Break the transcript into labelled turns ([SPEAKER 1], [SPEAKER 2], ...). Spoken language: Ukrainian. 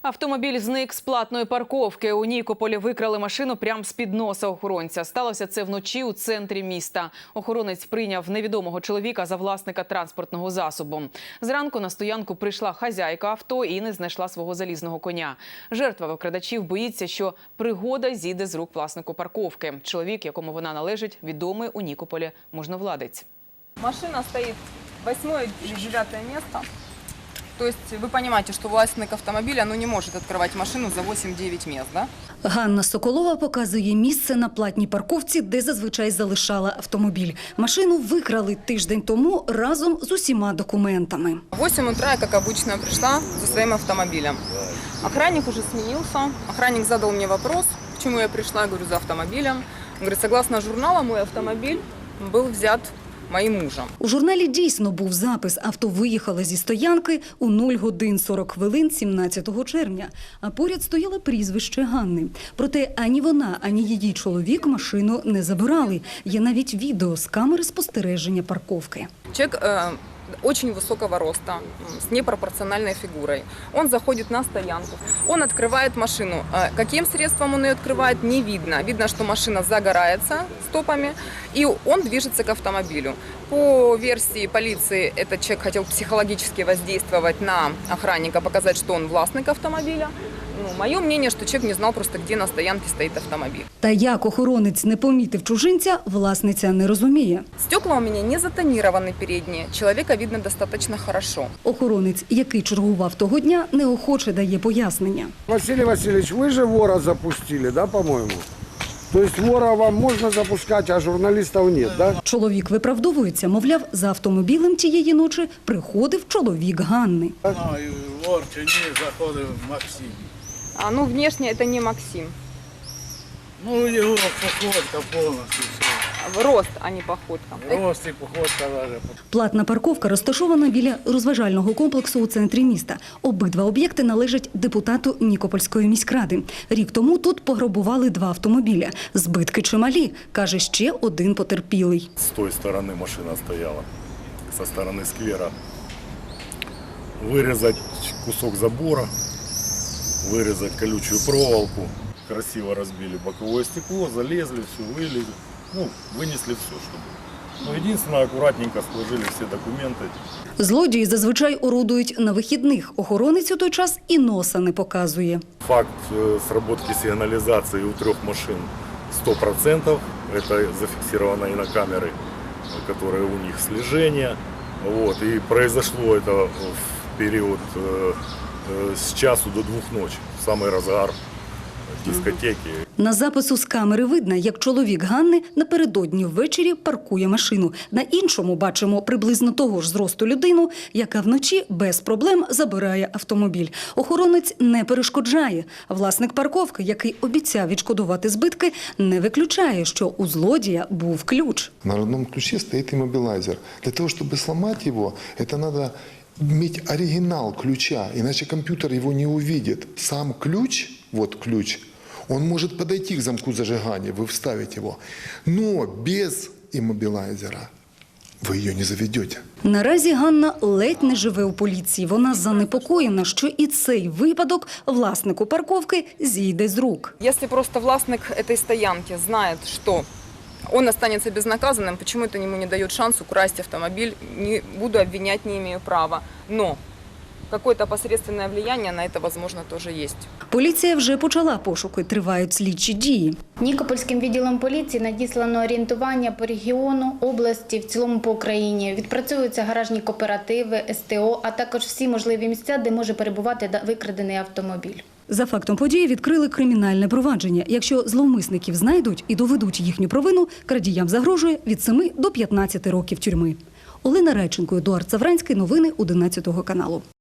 [SPEAKER 1] Автомобіль зник з платної парковки. У Нікополі викрали машину прямо з-під носа охоронця. Сталося це вночі у центрі міста. Охоронець прийняв невідомого чоловіка за власника транспортного засобу. Зранку на стоянку прийшла хазяйка авто і не знайшла свого залізного коня. Жертва викрадачів боїться, що пригода зійде з рук власнику парковки. Чоловік, якому вона належить, відомий у Нікополі можновладець.
[SPEAKER 2] Машина стоит 8-е или 9-е место. То есть вы понимаете, что властник автомобиля не может открывать машину за 8-9 мест, да?
[SPEAKER 3] Ганна Соколова показує місце на платній парковці, де зазвичай залишала автомобіль. Машину викрали тиждень тому разом з усіма документами.
[SPEAKER 2] В 8 утра я, как обычно, пришла за своим автомобилем. Охранник уже сменился. Охранник задал мне вопрос, почему я пришла. Я говорю, за автомобилем. Он говорит, согласно журналу, мой автомобиль был взят моїм мужем.
[SPEAKER 3] У журналі дійсно був запис. Авто виїхало зі стоянки у 0 годин 40 хвилин 17 червня. А поряд стояло прізвище Ганни. Проте ані вона, ані її чоловік машину не забирали. Є навіть відео з камери спостереження парковки.
[SPEAKER 2] Человек очень высокого роста, с непропорциональной фигурой. Он заходит на стоянку, он открывает машину. Каким средством он ее открывает, не видно. Видно, что машина загорается стопами, и он движется к автомобилю. По версии полиции, этот человек хотел психологически воздействовать на охранника, показать, что он властник автомобиля. Мое мнение, что человек не знал просто, где на стоянке стоит автомобиль.
[SPEAKER 3] Та як охоронець не помітив чужинця, власниця не розуміє.
[SPEAKER 2] Стекла у меня не затонированы передние, человека видно достаточно хорошо.
[SPEAKER 3] Охоронець, який чергував того дня, неохоче дає пояснення.
[SPEAKER 4] Василий Васильевич, вы же вора запустили, да, по-моему? То есть вора вам можно запускать, а журналистов нет, да?
[SPEAKER 3] Чоловік виправдовується, мовляв, за автомобілем тієї ночі приходив чоловік Ганни.
[SPEAKER 5] Вор чи ні, заходив Максим.
[SPEAKER 2] Внешне это не Максим.
[SPEAKER 5] Його походка повністю.
[SPEAKER 2] Рост, а не походка.
[SPEAKER 5] Рост і походка навіть.
[SPEAKER 3] Платна парковка розташована біля розважального комплексу у центрі міста. Обидва об'єкти належать депутату Нікопольської міськради. Рік тому тут пограбували 2 автомобіля. Збитки чималі, каже ще один потерпілий.
[SPEAKER 6] С той стороны машина стояла, со стороны сквера. Вырезать кусок забора, вырезать колючую проволоку. Красиво разбили боковое стекло, залезли, все вылезли. Вынесли все, что было. Единственное, аккуратненько сложили все документы.
[SPEAKER 3] Злодії зазвичай орудують на вихідних. Охоронець у той час і носа не показує.
[SPEAKER 6] Факт сработки сигнализации у 3 машин 100%. Это зафиксировано и на камеры, которые у них слежения. И произошло это в период с часу до 2 ночи, самый разгар дискотеки.
[SPEAKER 3] На запису з камери видно, як чоловік Ганни напередодні ввечері паркує машину. На іншому бачимо приблизно того ж зросту людину, яка вночі без проблем забирає автомобіль. Охоронець не перешкоджає. Власник парковки, який обіцяв відшкодувати збитки, не виключає, що у злодія був ключ.
[SPEAKER 7] На родном ключе стоит иммобилайзер. Для того, чтобы сломать его, это надо иметь оригинал ключа, иначе компьютер его не увидит. Сам ключ, вот ключ, он может подойти к замку зажигания, вы вставите его, но без иммобилайзера ви її не заведете.
[SPEAKER 3] Наразі Ганна ледь не живе у поліції. Вона занепокоєна, що і цей випадок власнику парковки зійде з рук.
[SPEAKER 2] Если просто властник этой стоянки знает, что он останется безнаказанным, почему это ему не дает шанс украсть автомобиль, не буду обвинять, не имею права. Но какое-то посредственное влияние на это, возможно, тоже есть.
[SPEAKER 3] Поліція вже почала пошуки, тривають слідчі дії.
[SPEAKER 8] Нікопольським відділом поліції надіслано орієнтування по регіону, області, в цілому по Україні. Відпрацьовуються гаражні кооперативи, СТО, а також всі можливі місця, де може перебувати викрадений автомобіль.
[SPEAKER 3] За фактом події відкрили кримінальне провадження. Якщо зловмисників знайдуть і доведуть їхню провину, крадіям загрожує від 7 до 15 років тюрми. Олена Райченко, Едуард Савранський. Новини 11 каналу.